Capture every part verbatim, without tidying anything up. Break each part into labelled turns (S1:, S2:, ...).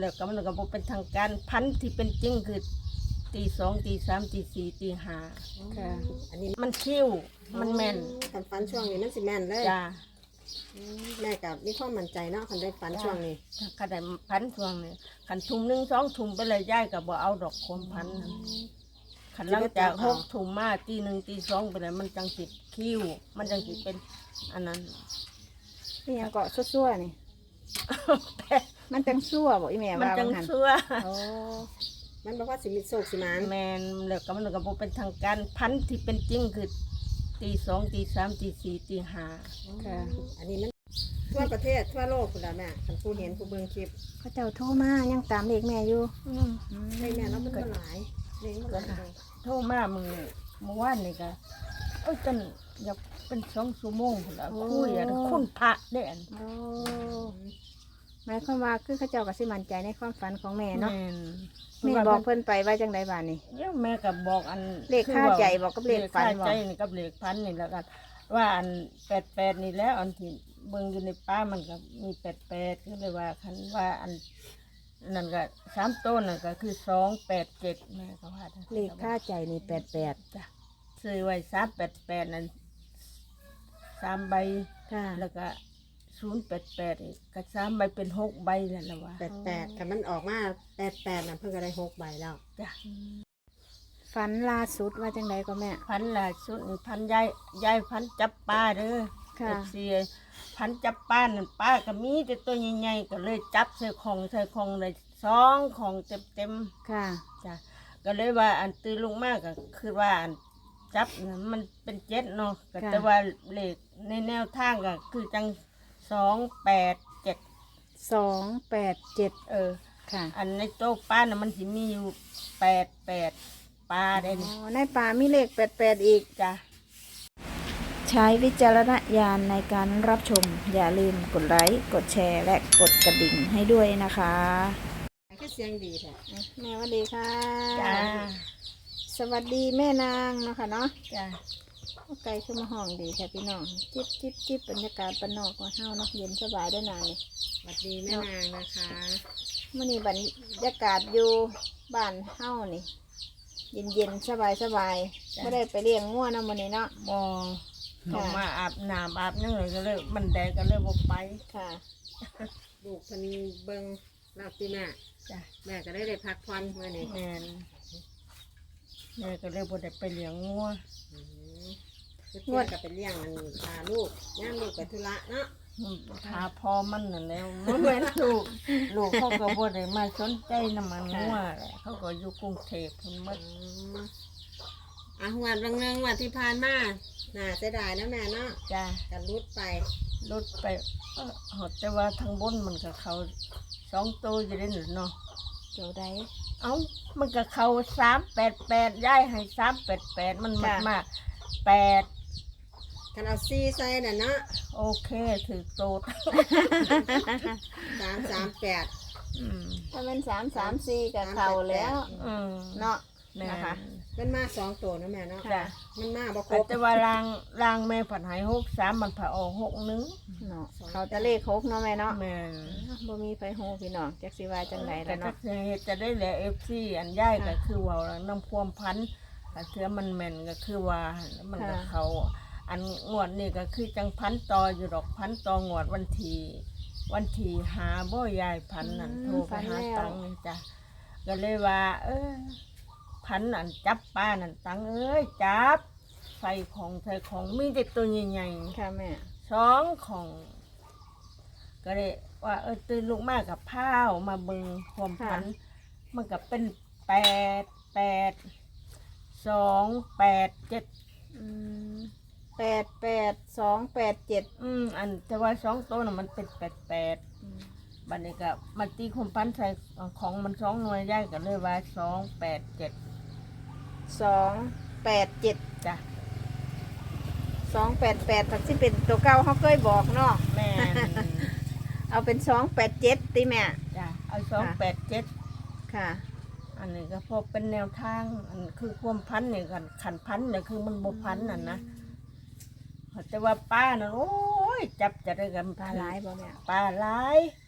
S1: แล้วก็มันก็บ่เป็นทางการพันที่เป็นจริงคือตีสองตีสามตีสี่ตีห้า
S2: ค่ะ
S3: อันนี้
S1: มันคิ้วมันแม่น
S3: คันฝันช่วงนี้มันสิแม่นเลย
S1: จ้า
S3: อืมแม่กับมีความมั่นใจเนาะคันได้ฝันช่วงนี้
S1: คันได้พันช่วงนี้คันทุ่มหนึ่งสองทุ่มไปเลยย้ายก็บ่เอาดอกความพันนั้นคันหลังจากหกทุ่มมาตีหนึ่งตีสองไปเลยมันจังสิคิ้วมันจังสิเป็นอันนั้น
S2: นี่ยังเกาะซั่วๆนี่มันจังซั่วบ่อีแม่
S1: มัน
S2: ว่า
S1: จัง
S2: หัน
S1: ซัว
S2: โอ้
S3: มันบอกว่าสิมีโศกสิมาน
S1: แมนแล้วก็มันก็บ่เป็นทางการพันที่เป็นจริงคือตีสองตีสามตีสี่ตีห้า
S2: ค่ะ
S3: อันนี้มันทั่วประเทศทั่วโลกคุณละแม่คันผู้เห็นผู้เบิ่งคลิป
S2: เขาเจ้าโทรมายังตามเลขแม่อยู่
S1: อืม
S2: อืม
S3: ให้แม่แล้วมันก็หลายเลี้ยงมันก็หลาย
S1: โทรมามือเมื่อวานนี่ก็เอ้ยจนอยากเป็นสองชั่วโมงพุ่นละคุยอะคุณพระเด่น
S2: โอ้หมายความว่าคือเขาเจ้าก็สิมั่นใจในความฝันของแม่เนาะ
S1: แม่น
S2: แม่บอกเพิ่นไปว่าจังไดบ้านนี่
S1: เดี๋ยวแม่ก็บอกอัน
S2: เลขค่าใจบอกกับเลขฝัน
S1: เลข
S2: บอก
S1: ค่าใจนี่กับเลขพันนี่แล้วกันว่าอันแปดแปดนี่แล้วอันที่เบิ่งอยู่ในป้ามันก็มีแปดแปดก็เลยว่าคันว่าอันนั่นก็สามต้นนั่นก็คือสองแปดเจ็ดแม่ก็ว่า
S2: เลขค่าใจนี่แปดแปด
S1: จ้ะซื้อไว้สามแปดแปดนั่นสามใบ
S2: ค่ะ
S1: แล้วก็ศูนย์แปดแปดอีกก็สามใบเป็นหกใบแล้วละว่า
S3: แปดแปดคันมันออกมาแปดแปดน่ะเพิ่งก็ได้หกใบแล้ว
S1: จ้ะ
S2: ฝันล่าสุดว่าจังไดก็แม่
S1: พันล่ะสุดนี่พันยายยายพันจับปลาเด้อ
S2: ค่ะ
S1: เสียพันจับปลานั่นปลาก็มีแต่ตัวใหญ่ๆก็เลยจับใส่ของใส่ของเลยสองของเต็มๆ
S2: ค่ะ
S1: จ้ะก็เลยว่าอันตื่นลงมากก็คือว่าอันจับน่ะมันเป็นเจ็ดเนาะก็
S2: ค่ะ
S1: แต่ว่าเลขในแนวทางก็คือจังสองแปดเจ็ด
S2: สองแปดเจ็ด
S1: เออ
S2: ค่ะ
S1: อันในโต๊ะป้าน่ะมันสิมีอยู่แปดแปดปลาได้
S2: อ๋
S1: นี่
S2: อในป่ามีเลขแปดแปดอีก
S1: จ้ะ
S2: ใช้วิจารณญาณในการรับชม อย่าลืมกดไลค์ กดแชร์ และกดกระดิ่งให้ด้วยนะคะ
S3: คือเสียงดีแท้
S2: แม่สวัสดีค่ะ
S1: จ้า
S2: สวัสดีแม่นางเนาะค่ะเนาะ
S1: จ้ะ
S2: ไก่ขึ้นมาห้องดีค่ะพี่น้อง จิบจิบจิบบรรยากาศปานนอกของเฮาเนาะเย็นสบายด้วยนางนี่
S3: สวัสดีแม่นางนะคะ
S2: มื่อนี้บรรยากาศอยู่บ้านเฮานี่ เย็นเย็นสบายสบายไม่ได้ไปเลี้ยงงัวนะมื้อนี้เนาะ
S1: บอ
S2: ค่ะ
S1: ออกมาอาบน้ำอาบนั่งเลยก็เลยมันแดดก็เลยบอกไป
S2: ค่ะ
S3: ลูกเพิ่นเบิ่งเราตีแม่
S1: จ้ะ
S3: แม่ก็ได้ได้พักผ่อนเมื่อนี้
S1: แม่นแม่ก็เลยบ่ได้ไปเลี้ยงงัว
S3: อืมคือเพื่อนก็เป็นเลี้ยงมันพาลูกย่ามลูกไปธุระเนาะ
S1: หาพอมันนั่นแหล้วมันเหมือนลูกลูกเขาก็บ่ได้มาสนใจน้ำมันงัวแหละเขาก็อยู่กรุงเทพเพิ่นหม
S3: อื
S1: ด
S3: มอ่ะหวันบางเนืองวันที่ผ่านมาน่าเสียดายนะแม่เนาะ
S1: จ้ะ
S3: กันรุดไป
S1: รถไปเอ้อหดแต่ว่าทางบนมันก็เขาสองตัวอยู่ได้หนึ่งเนาะ
S2: เจ้าใด
S1: เอ้ามันก็เขาสามแปดแปดย้ายให้สามแปดแปดมันมาก
S2: ค่ะ
S1: มากแปด
S3: กันเอาซีใส่น่ะเนาะ
S1: โอเคถือโตด
S3: สามสามแปด
S1: อืม
S2: ถ้าเป็นสามสามสี่กับเขาแล้ว
S1: อืม
S2: เนาะ
S1: แม่
S2: นะคะ
S3: มันมาสองตัวนะแม่เนาะ
S1: จ้ะ
S3: มันมาบ่ครบ
S1: แต่ว่ารางรางแม่ผัดหายหกสามมันผ่าออกหกหนึง
S2: เนาะเขาจะเลขหกเนาะแม่เนาะ
S1: แม่
S2: บ่มีไฟโฮพี่น้องจักสิว่าจังได
S1: แต่
S2: แล้ว
S1: ถ้า
S2: เนาะ
S1: เฮ็ดจะได้แหละเอฟซีอันย่ายก็
S2: ค่ะ
S1: คือว่าน้ำความพันก็เทือมันแม่นก็คือว่ามันก็
S2: ค่ะ
S1: เขาอันงวดนี่ก็คือจังพันต่ออยู่ดอกพันต่องวดวันที่วันที่หาบ่ยายพันนั่นโทรไปหาตังค์นี่จ้ะก็เลยว่า เออพันอันจับป้านั่นตังเอ้ยจับใส่ของใส่ของมีแต่ตัวใหญ่ๆ
S2: ค่ะแม่
S1: สองของ ก็เลยว่าเออตื่นลุกมากกับผ้าวมาเบิงความพัน มันก็เป็นแปดแปดสองแปดเจ็ด
S2: อืมแปดแปดสองแปดเจ็ด
S1: อืมอันแต่ว่าสองตัวน่ะมันเป็นแปดแปดบัดนี้ก็มาตีความพันใส่ของมันสองหน่วยได้ก็เลยว่าสองแปดเจ็ด
S2: สองแปดเจ็ด
S1: จ้ะ
S2: สองแปดแปดถักที่เป็นตัวเก่าเขาเคยบอกเนาะ
S1: แม่น
S2: เอาเป็นสองแปดเจ็ดติแม่
S1: จ้ะเอาสองแปดเจ็ด
S2: ค่ะ
S1: อันนี้ก็พอเป็นแนวทางอันคือความพันเนี่ยกันขันพันเนี่ยคือมันบ่พันน่ะนะแต่ว่าป้าน่ะโอ้ยจับจะได้กัน
S2: ปลาหลายบ่แม่
S1: ปลาหลาย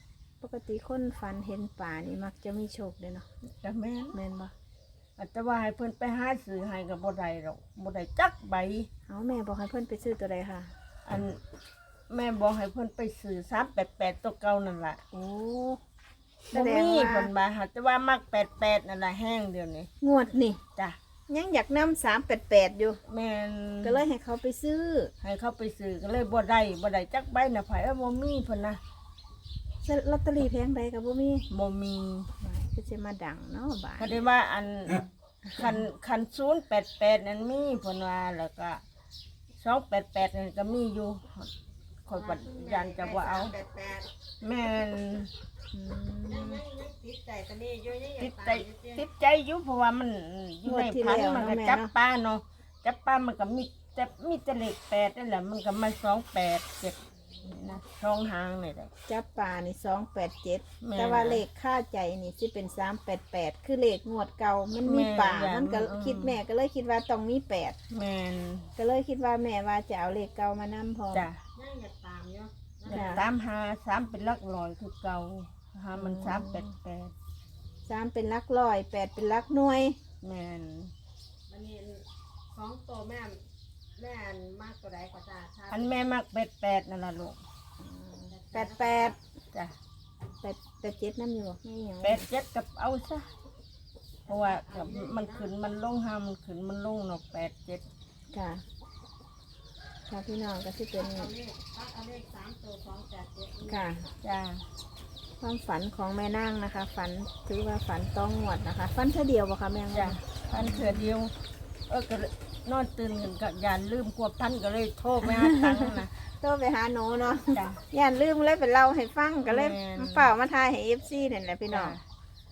S2: ปกติคนฝันเห็นป่านี่มักจะมีโชคเลยเนาะ
S1: แต่แม่น
S2: แม่นบ่
S1: อาจจะว่าให้เพิ่นไปหาซื้อให้ก็บ่ได้หรอกบ่ได้จักใบ
S2: เอาแม่บอกให้เพิ่นไปซื้อตัวใดค่ะ
S1: อันแม่บอกให้เพิ่นไปซื้อสามแปดแปดตัวเก่านั่นล่ะ
S2: โอ้แส
S1: บ่
S2: ดง
S1: มี
S2: ว่า
S1: เพิ่นมาหาแต่ว่ามักแปดแปดนั่นล่ะแห้งเดียวนี้
S2: งวดนี่
S1: จ้ะ
S2: ยังอยากนำสามแปดแปดอยู่
S1: แม่น
S2: ก็เลยให้เขาไปซื้อ
S1: ให้เขาไปซื้อก็เลยบ่ได้บ่ได้จักใบน่ะไผว่าบ่มีเพิ่นนะ
S2: ลอตเตอรี่แพงใดกับบ่มี
S1: บ่มี
S2: ก็จะมาดังเนาะบาท
S1: ก็ได้ว่าอันคันคันศูนย์แปดแปดนั่นมีเพิ่นว่าแล้วก็สองแปดแปดนั่นก็มีอยู่คอยปัดยันจะบ่เอา
S3: แปดแปด
S1: แม่น
S2: อืม
S3: ติดใจกันนี่อยู่ยังอยา
S1: ติ
S3: ก
S1: ด
S3: ตา
S1: ใจ
S3: ยอยู่เตี้ย
S1: ติดใจอยู่เพราะว่ามันอยู่ใน
S2: งวดที่
S1: พัน
S2: แล้ว
S1: มันก็
S2: เนาะแม่
S1: จับ
S2: เนาะ
S1: ปลาเนาะจับปลามันก็มีแต่มีแต่เลขแปดนั่นแหละมันก็มาสองแปดเจ็ดนะช่องหางนี่แหละ
S2: จับป่านี่สองแปดเจ็ด
S1: แม่
S2: แต่ว่าเลขค่าใจนี่สิเป็นสามแปดแปดคือเลขงวดเก่ามันมี
S1: แม่
S2: ป่า
S1: อย่า
S2: มันก็
S1: อืม
S2: คิดแม่ก็เลยคิดว่าต้องมีแปด
S1: แม่น
S2: ก็เลยคิดว่าแม่ว่าจะเอาเลขเก่ามานำพอ
S1: จ้ะ
S3: ยังอยากตามอยู่
S2: จ้ะ
S1: ตามหาสามเป็นหลักร้อยคือเก่าหามันสามแปดแปด
S2: สามเป็นหลักร้อยแปดเป็นหลักหน่วย
S1: แม่น
S3: มันนี่สองตัวแม่แม่มากตัวใดก็จะชา
S1: อันแม่มักแปดแปดนั่นล่ะลูก
S2: แปดแปด
S1: จ้ะ
S2: แปดแปดเจ็ดนั่นอยู่ไม่หยัง
S1: แปดเจ็ดกับเอาซะเพราะว่ากับมันขึ้นมันลงหามันขึ้นมันลงเนาะแปดเจ็ด
S2: ค่ะค่ะพี่น้องก็สิเป็น
S3: เอาเลขเอาเลขสามตัวสองแปดเจ็ด
S2: ค่ะ
S1: จ้า
S2: ความฝันของแม่นางนะคะ ฝันถือว่าฝันต้องงวดนะคะ ฝันเท่าเดียวบ่คะแม่
S1: จ้าพันเถื่อเดียว เออก็เลยนอนตื่นกันก็ยานลืมกลัวพันก็เลยโทรไปหาตังค์นะ
S2: โทรไปหาหนูเนาะ
S1: จ้า
S2: ย่านลืมเลยเป็นเล่าให้ฟังก็เลย
S1: แม่น
S2: เปล่ามาทายให้เอฟซีนั่นแหละพี่น้อง
S1: จ้ะ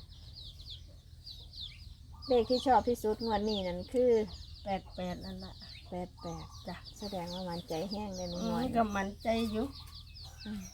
S2: เลขที่ชอบที่สุดงวดนี้นั่นคือ
S1: แปดแปดนั่นแหละ
S2: แปดแปด
S1: จ้า
S2: แสดงว่ามันใจแห้งเลยหนู
S1: อื
S2: น้
S1: ม
S2: อย
S1: ก็มันใจอยู่
S2: อืม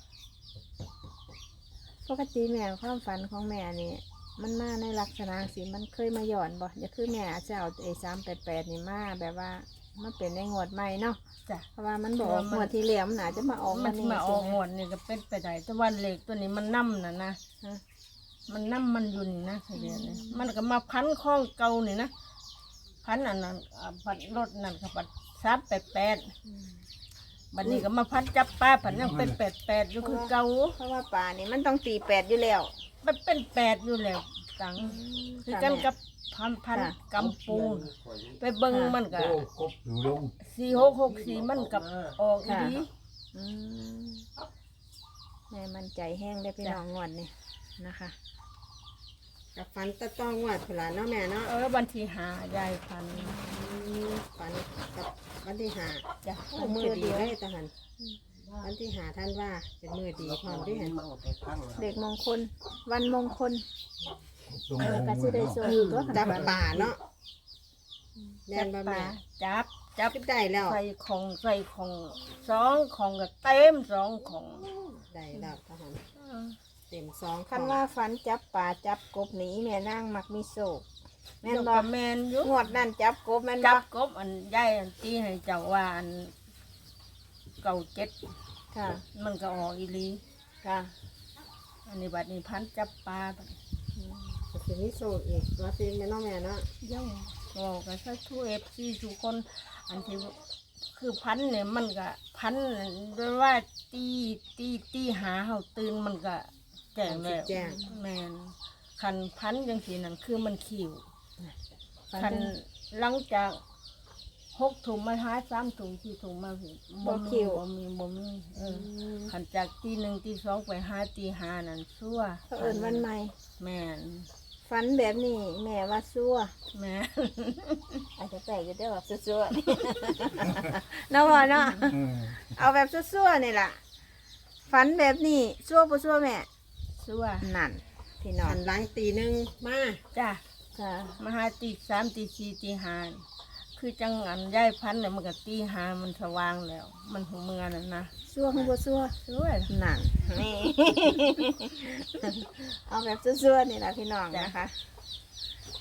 S2: ปกติแม่ความฝันของแม่นี่มันมาในลักษณะสิมันเคยมาหย่อนบ่อย่าคือแม่อาจจะเอาไอ้สามแปดแปดนี่มาแบบว่ามันเป็นในงวดใหม่เนาะ
S1: จ้า
S2: เพราะว่ามันบอก
S1: เพราะว่ามัน
S2: งวดที่แล้วมันอาจจะมาออก
S1: มัน
S2: นี่
S1: มาออก
S2: ใช่
S1: ห
S2: ไห
S1: มดนี่ก็เป็นไปได้แต่ว่าเหล็กตัวนี้มันนั่มนะนะ
S2: ฮะ
S1: มันนั่มมันอยู่นี่นะเดี๋ยวนี้มันก็มาพันข้องเก่านี่นะพันอันนั้นอ่าพันรถนั่นก็พันสามแปดแปด
S2: อืม
S1: บัดนี้ก็มาพันจับปลาพันยังเป็นแปดแปดอยู่คือเก่า
S2: เพราะว่าป่านี่มันต้องตีแปดอยู่แล้ว
S1: มันเป็นแปดอยู่แล้วตังคือกันกับพันพันกำปูนไปเบิ้งมันก็
S4: กบอยู่ลง
S1: สี่หกหกสี่มันกับออกอีดี
S2: อืมแม่มันใจแห้งได้พี่น้องงวดนี่นะคะ
S3: กับฟันตะต้องวัดผลาเนาะแม่เนาะ
S1: เออบันทีหายายพัน
S3: ฟันกับวันที่หา
S1: จ้ะ
S3: โอ้มือดีเลยตะหันวันที่หาท่านว่าเป็นมือดีพร้อมด้วยหัน
S2: เด็กมงคล วันมงคล
S4: ลง
S2: เออก็สิได้ส่งตัว
S3: จับป่าเนาะแด
S1: จั
S3: น
S1: บบ
S3: ะ
S1: ปลา
S3: แม่
S1: จับจับ
S3: คิดได้แล้ว
S1: ใส่ของใส่ของสองของก็เต็มสองของ
S3: ได้แล้วตะหัน
S1: เออ
S3: เต็มสอง
S2: คันว่าฝันจับป่าจับกบหนีแม่นั่งมักมีโศกแม่น
S1: เดี๋ยว
S2: บอ
S1: ก็
S2: ก
S1: แมนอยู่
S2: งวดนั่นจับกบแม่นบ
S1: จั
S2: อบ ก
S1: กบอันใหญ่อันที่ให้เจ้าว่าอันเก่าเจ็ด
S2: ค่ะ
S1: มันก็ออกอีหลี
S2: ค่ะ
S1: อันนี้บัดนี้พันจับปลาบัด
S3: ก็คือมิโซะอีกว่าซีแม่เนาะแม่เนาะ
S1: เย่าบอกกันซะทุกเอฟซีทุกคนอันที่คือพันเนี่ยมันก็พันด้วยว่าตีตีตีหาเฮาตื่นมันก็แจ้งแล้ว
S3: แจ้ง
S1: แมนคันพันจังสีนั่นคือมันขิว
S2: ฝัน
S1: คัน
S2: จัง
S1: หลังจากหกถุงมาหาสามถุงสี่ถุงมาผิด
S2: บ่คิว
S1: บ่มีบ่มีเออคันจากตีหนึ่งตีสองไปหาตีหานั่นซัว
S2: เขาเอิญวันใหม่
S1: แม่น
S2: ฝันแบบนี้แม่ว่าซัว
S1: แม่น
S2: อาจจะแปลกอยู่เด้อแบบซัวๆ เนาะพ่อเนาะ
S4: อืม
S2: เอาแบบซัวๆนี่ล่ะฝันแบบนี้ซัวบ่ซัวแม่
S1: ซัว
S2: นั่นพี่น้อ
S3: หั
S2: ง
S3: นหลังตีหนึ่งมา
S1: จ้ะ
S2: ค่ะ
S1: มาหาตีสามตีสี่ตีห้าคือจังอันย้ายพันธุ์เนี่ยมันก็ตีหามันสว่างแล้ว มันหูเมือนั่นนะ
S2: ซัวคือบ่ซัว
S1: สวย
S2: นั่นนี่ เอาแบบซัวๆนี่ล่ะพี่น้องนะคะอ่ะ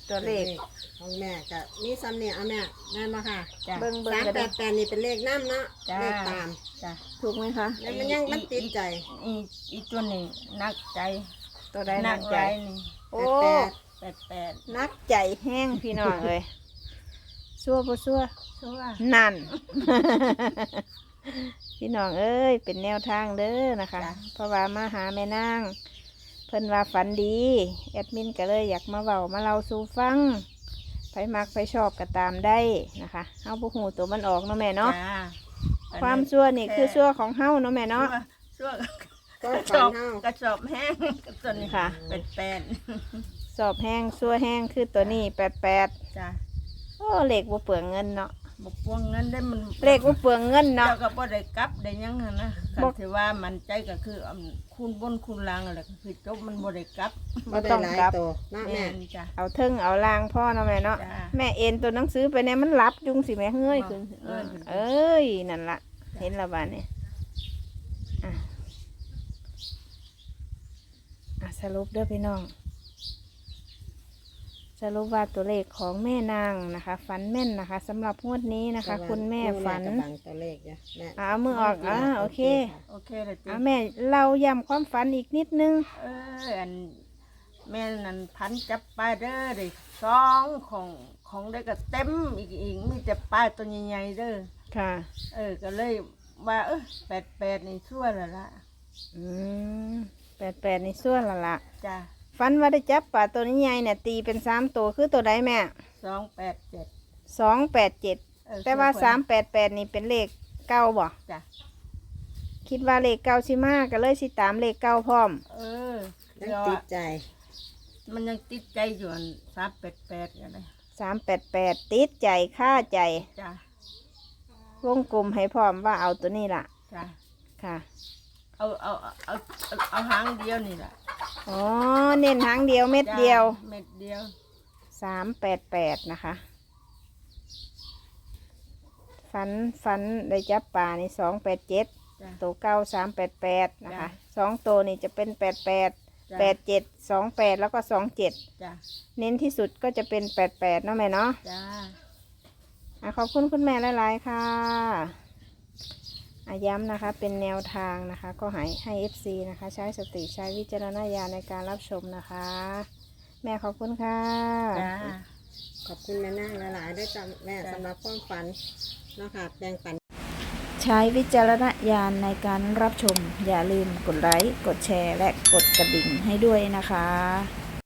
S2: ตัวเลข
S3: ของแม่ก็มีซ้ำเนี่ยเอาแม่แม่มาค่ะ
S1: จ้ะ
S2: เบิ่งเบิ่ง
S3: สาม
S2: ก็
S3: แป
S2: ได้
S3: ดแปดนี่เป็นเลขน้ำเนาะ
S1: จ้า
S3: เลขตาม
S1: จ้ะ
S2: ถูกไหมคะ
S3: แล้วมันยังมันติดใจ
S1: อีอีตัวนี้นักใจ
S2: ตัวใด
S1: นั
S2: นั
S1: ก
S2: ก
S1: ใจ
S2: ใจ
S1: นี่
S2: โอ้
S3: แปด
S1: แปดแปด
S2: นักใจแห้งพี่น้องเลยซัวบ่ซัว
S1: ชัว
S2: นั่น พี่น้องเอ้ยเป็นแนวทางเด้อนะคะ เพราะว่ามาหาแม่นางเพิ่นว่าฝันดีแอดมินก็เลยอยากมาเว้ามาเล่าสู่ฟังไผมักไผชอบก็ตามได้นะคะเฮาบ่ฮู้ตัวมันออกเนาะแม่เนาะ
S1: จ้า
S2: ความซัวนี่คือซัวของเฮาเนาะแม่เนาะ
S1: ชัว
S3: ก็
S1: กระส
S3: ฝั
S1: อน บ
S3: เฮาก
S1: ระสอบแห้งตัวนี้
S2: ค่ะ
S1: แปดแปด
S2: สอบแห้งซัวแห้งคือตัวนี้แปดแปด
S1: จ้ะ
S2: โอ้เลขบ่เปลืองเงินเนาะ
S1: บกพวงเงินได้มัน
S2: เลขบ่เปลืองเงินเนาะ
S1: เจ้าก็บ่ได้กลับได้หยังหั้นนะ
S2: บ่
S1: คันที่ว่ามันใจก็คืออำคูณบนคูณล่างอะไรก็คือจบมันบ่ได้กลับ
S2: บ่
S3: บ่ได้
S2: ต้อง
S3: หลาย
S2: กลับ
S3: ตัวเนาะ
S1: แม่
S3: แม่
S1: นจ้ะ
S2: เอาเทิงเอาลางพ่อเนาะแม่เนาะ
S1: จ้ะ
S2: แม่เอ็นตัวหนังสือไปเนี่ยมันรับจุงสิแม่เฮ้ย
S1: อ๋อ
S2: ขึ้น
S1: เอ้ยขึ้น
S2: เอ้ยนั่นละเห็นและบ้านนี่อ่ะอ่ะสรุปเด้อพี่น้อง สรุปว่าตัวเลขของแม่นางนะคะฝันแม่นนะคะสำหรับงวดนี้นะคะ คุณแม่ฝัน
S3: กำลังตัวเลขอยู่แม่
S2: อ่ะเอามือออกอ่ะโอเค
S1: โอเคเลยจ้ะ
S2: อ่ะแม่เราย้ำความฝันอีกนิดนึง
S1: เอออันแม่นั่นพันจับปลาเด้อได้สองของของได้ก็เต็มอีกอีกมีแต่ปลาตัวใหญ่ๆเด้อ
S2: ค่ะ
S1: เออก็เลยว่าเออแปดแปดนี่ชั่วแล้วล่ะ
S2: อืมแปดแปดในส่วนละละ
S1: จ้ะ
S2: ฝันว่าได้จับปลาตัวนี้ใหญ่เนี่ยตีเป็นสามตัวคือตัวใดแม่
S1: สองแปดเจ็ด
S2: สองแปดเจ็ด
S1: เออ
S2: แต่ว่า
S1: ชั่
S2: สามแปดแปดนี่เป็นเลขเก้าบ่
S1: จ้ะ
S2: คิดว่าเลขเก้าสิมาก็เลยสิตามเลขเก้าพร้อม
S1: เออ
S3: ยั
S1: เดี๋
S3: ง
S1: ยว
S3: ติ
S1: อะ
S3: ดใจ
S1: มันยังติดใจอยู่อันสามแปดแปดกันเลย
S2: สามแปดแปดติดใจค่าใจ
S1: จ้ะ
S2: วงกลมให้พร้อมว่าเอาตัวนี้ล่ะ
S1: จ้ะ
S2: ค่ะ
S1: เอาเอาเอาเอาเอาหางเดียวนี่แหละ
S2: อ๋อเน้นหางเดียวเม็ดเดียว
S1: จ้ะเม็ดเดียว
S2: สามแปดแปดนะคะฝันฝันได้จับปลาในสองแปดเจ็ด
S1: จ้ะ
S2: ตัวเก้าสามแปดแปดนะคะ
S1: จ้ะ
S2: สองตัวนี่จะเป็นแปดแปด
S1: จ้ะ
S2: แปดเจ็ดสองแปดแล้วก็สองเจ็ด
S1: จ้ะ
S2: เน้นที่สุดก็จะเป็นแปดแปดเนาะแม่เนาะ
S1: จ้า
S2: อ่ะขอบคุณคุณแม่หลาย ๆ ค่ะอ่ะย้ำนะคะเป็นแนวทางนะคะ ก็ให้ให้ เอฟ ซี นะคะ ใช้สติใช้วิจารณญาณในการรับชมนะคะ แม่ขอบคุณค่ะ
S1: จ้า
S3: ขอบคุณแม่นางหลายๆด้วยจ้ะแม่
S1: จ้ะ
S3: สำหรับความฝันเนาะค่ะแบ่งปัน
S2: ใช้วิจารณญาณในการรับชม อย่าลืมกดไลค์ กดแชร์ และกดกระดิ่งให้ด้วยนะคะ